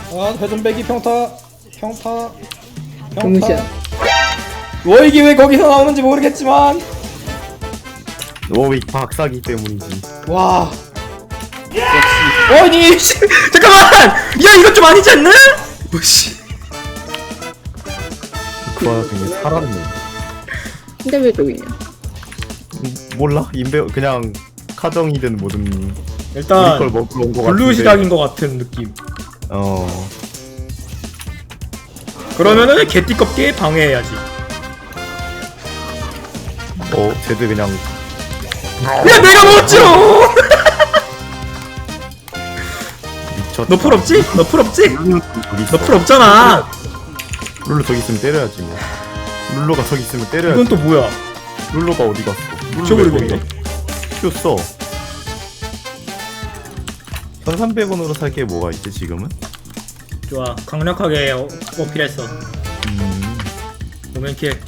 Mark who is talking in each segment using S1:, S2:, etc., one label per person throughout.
S1: 아 회전배기 평타 평타
S2: 동시야.
S1: 평타. 이게 왜 거기서 나오는지 모르겠지만
S3: 워윅 박사기 때문이지.
S1: 와 역시 아니 씨, 잠깐만 야 이거 좀 아니지 않나? 뭐씨
S3: 그 와중에 살았네.
S2: 근데 왜 저기 있냐?
S3: 몰라? 인베 그냥 카정이든 뭐든 우리
S1: 일단
S3: 걸 먹으러 온거 같은데.
S1: 블루 시작인 것 같은 느낌.
S3: 어.
S1: 그러면은 개띠껍게 방해해야지.
S3: 쟤들 그냥
S1: 야 내가 먹었지롱.
S3: 미쳤다.
S1: 너 풀 없지? 너 풀 없지?
S3: 룰루 저기 있어.
S1: 너 풀 없잖아.
S3: 룰루 저기 있으면 때려야지 뭐. 룰루가 저기 있으면 때려야지.
S1: 이건 또 뭐야?
S3: 룰루가 어디 갔어?
S1: 잊어버리겠네.
S3: 줬어. 1300원으로 살 게 뭐가 있지 지금은?
S1: 좋아 강력하게 어필했어. 오면킬.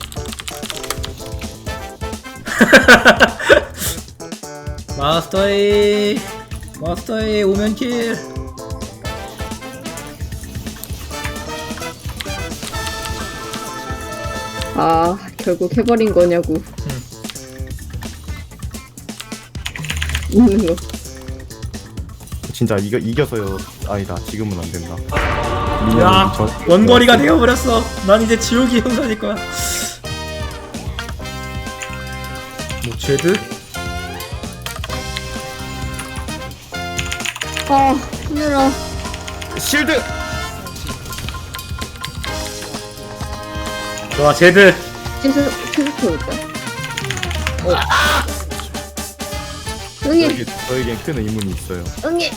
S1: 마스터의 오면킬.
S2: 아 결국 해버린 거냐고. 웃는 거.
S3: 진짜 이겨서요. 아니다 지금은 안 된다.
S1: 야 원거리가 되어버렸어. 난 이제 지옥이 형사일 거야. 뭐 제드?
S2: 아 힘들어.
S3: 실드.
S1: 좋아 제드.
S2: 체스터였다. 응애
S3: 저에겐 큰 의문이 있어요.
S2: 응애.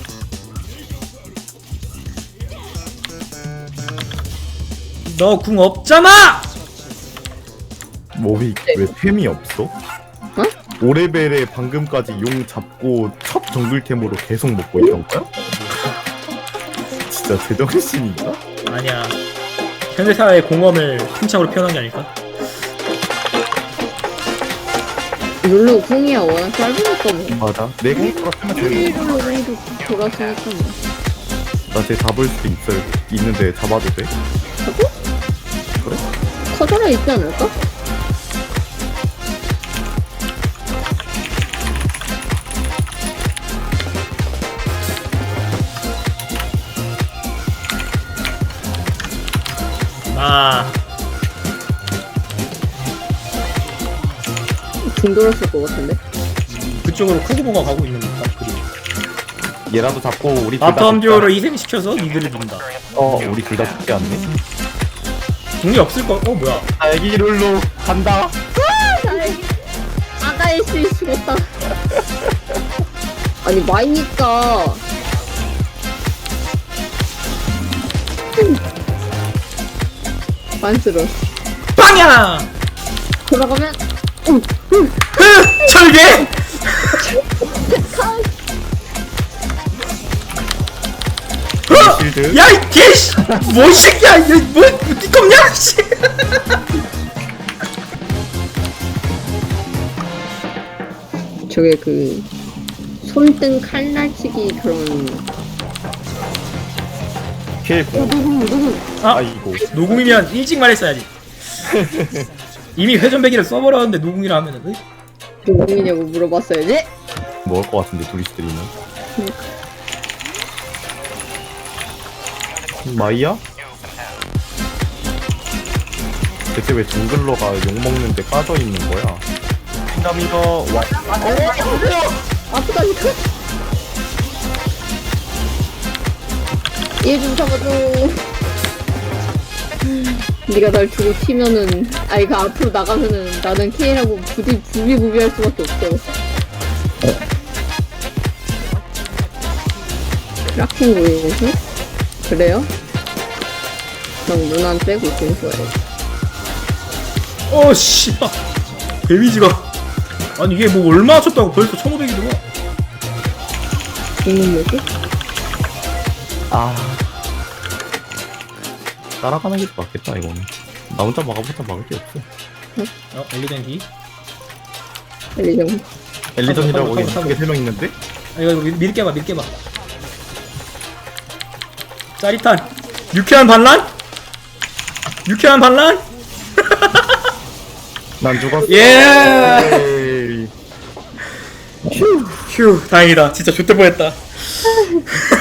S1: 너 궁 없잖아.
S3: 뭐왜 템이 없어?
S2: 어?
S3: 5레벨에 방금까지 용 잡고 첫 정글템으로 계속 먹고 있던 거야? 진짜 제정신인가?
S1: 아니야. 현대사의 공엄을 팽창으로 표현한 게 아닐까?
S2: 룰루 궁이야 워낙 짧으니까 뭐.
S3: 맞아. 내 공수가 쓰면 되는 거야.
S2: 룰루 궁도 돌았으니까 뭐.
S3: 나쟤 잡을 수도 있는데 잡아도 돼?
S2: 하고?
S3: 그래?
S2: 커져라 있지 않을까?
S1: 아
S2: 궁 돌았을 것 같은데.
S1: 그쪽으로 크고보가 가고 있는 것 같아. 그리고
S3: 얘라도 잡고 우리 둘 다
S1: 바텀 듀오를 희생시켜서 니들을 민다.
S3: 우리 둘 다 죽지 않네?
S1: 궁이 없을 거. 뭐야?
S3: 딸기 룰루 간다.
S2: 아가의 수 죽었다. 아니 마이니까. 만스러.
S1: 빵야!
S2: 돌아가면
S1: 철개!
S3: 실드.
S1: 야, 이 개씨! 뭔 새끼야! 뭐, 띠껍냐? 씨!
S2: 저게 그 손등 칼날치기 그런.
S3: 킬.
S1: 아,
S3: 아이고.
S1: 노궁이면 일찍 말했어야지. 이미 회전배기를 써버렸는데 노궁이라 하면은,
S2: 누구이냐고 물어봤어야지.
S3: 먹을 것 같은데 둘이 스트리는. 마이야? 대체 왜 정글러가 욕먹는데 빠져있는 거야? 킹덤이가 와.
S2: 아프다니까. 얘 좀 잡아줘. 네가 날 주고 튀면은 그 앞으로 나가면은 나는 K라고 부비부비할 수밖에 없어. 크라켄 고이고서? 그래요? 넌 누난 빼고 좀 좋아해.
S1: 씨발. 데미지가. 아니, 이게 뭐 얼마 쳤다고 벌써 1500이 들어?
S2: 죽는 뭐지?
S3: 따라가는 게 맞겠다 이거는. 나 혼자 막아보자 막을 게 없어.
S1: 엘리전 D?
S2: 엘리정.
S3: 엘리전이라고
S1: 타고,
S3: 이게 설명 있는데?
S1: 이거 밀게 봐. 짜릿한 유쾌한 반란? 유쾌한 반란?
S3: 난 죽었어.
S1: 예.
S3: 에이.
S1: 휴 다행이다 진짜 좆될 뻔했다